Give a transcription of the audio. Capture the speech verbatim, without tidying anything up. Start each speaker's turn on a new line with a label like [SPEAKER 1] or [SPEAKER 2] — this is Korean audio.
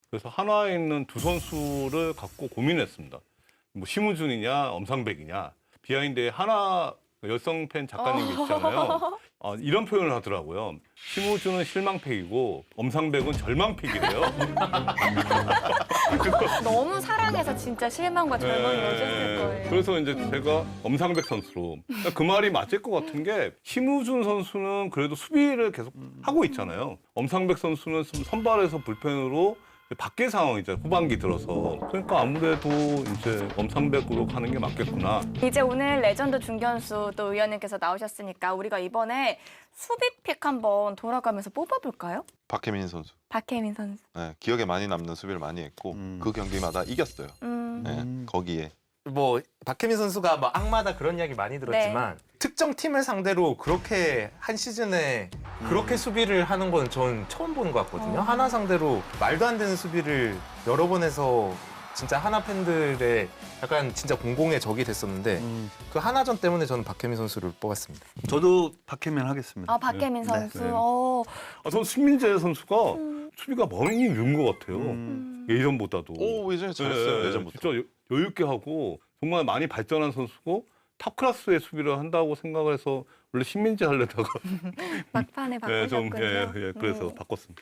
[SPEAKER 1] 그래서 한화에 있는 두 선수를 갖고 고민했습니다. 뭐 심우준이냐 엄상백이냐. 비하인드에 한화 여성 팬 작가님이 있잖아요. 어, 이런 표현을 하더라고요. 심우준은 실망팩이고 엄상백은 절망팩이래요.
[SPEAKER 2] 너무 사랑해서 진짜 실망과 절망이
[SPEAKER 1] 네.
[SPEAKER 2] 오셨을 거예요.
[SPEAKER 1] 그래서 이제 제가 엄상백 선수로 그 말이 맞을 것 같은 게 심우준 선수는 그래도 수비를 계속 하고 있잖아요. 엄상백 선수는 좀 선발에서 불펜으로 밖의 상황이죠. 후반기 들어서. 그러니까 아무래도 이제 엄상백으로 가는 게 맞겠구나.
[SPEAKER 2] 이제 오늘 레전드 중견수 또 의원님께서 나오셨으니까 우리가 이번에 수비픽 한번 돌아가면서 뽑아볼까요?
[SPEAKER 3] 박혜민 선수.
[SPEAKER 2] 박혜민 선수.
[SPEAKER 3] 네, 기억에 많이 남는 수비를 많이 했고
[SPEAKER 4] 음.
[SPEAKER 3] 그 경기마다 이겼어요.
[SPEAKER 2] 음.
[SPEAKER 3] 네, 거기에.
[SPEAKER 4] 뭐 박혜민 선수가 뭐 악마다 그런 이야기 많이 들었지만 특정 팀을 상대로 그렇게 한 시즌에 그렇게 수비를 하는 건 전 처음 보는 것 같거든요.
[SPEAKER 2] 어.
[SPEAKER 4] 하나 상대로 말도 안 되는 수비를 여러 번 해서 진짜 하나 팬들의 약간 진짜 공공의 적이 됐었는데
[SPEAKER 5] 음,
[SPEAKER 4] 그 하나전 때문에 저는 박혜민 선수를 뽑았습니다.
[SPEAKER 5] 저도 박혜민 하겠습니다.
[SPEAKER 2] 아 박혜민
[SPEAKER 5] 네.
[SPEAKER 2] 선수.
[SPEAKER 1] 네.
[SPEAKER 2] 어.
[SPEAKER 1] 아, 전 신민재 선수가
[SPEAKER 2] 음.
[SPEAKER 1] 수비가 많이 늘은 것 같아요.
[SPEAKER 5] 음.
[SPEAKER 1] 예전보다도.
[SPEAKER 3] 오, 예전에 잘했어요.
[SPEAKER 1] 네,
[SPEAKER 3] 예전부터.
[SPEAKER 1] 진짜 여- 여유 있게 하고 정말 많이 발전한 선수고 탑 클래스의 수비를 한다고 생각을 해서 원래 신민재 하려다가
[SPEAKER 2] 막판에
[SPEAKER 1] 예, 좀
[SPEAKER 2] 바꾸셨군요.
[SPEAKER 1] 예, 예, 그래서
[SPEAKER 2] 음.
[SPEAKER 1] 바꿨습니다.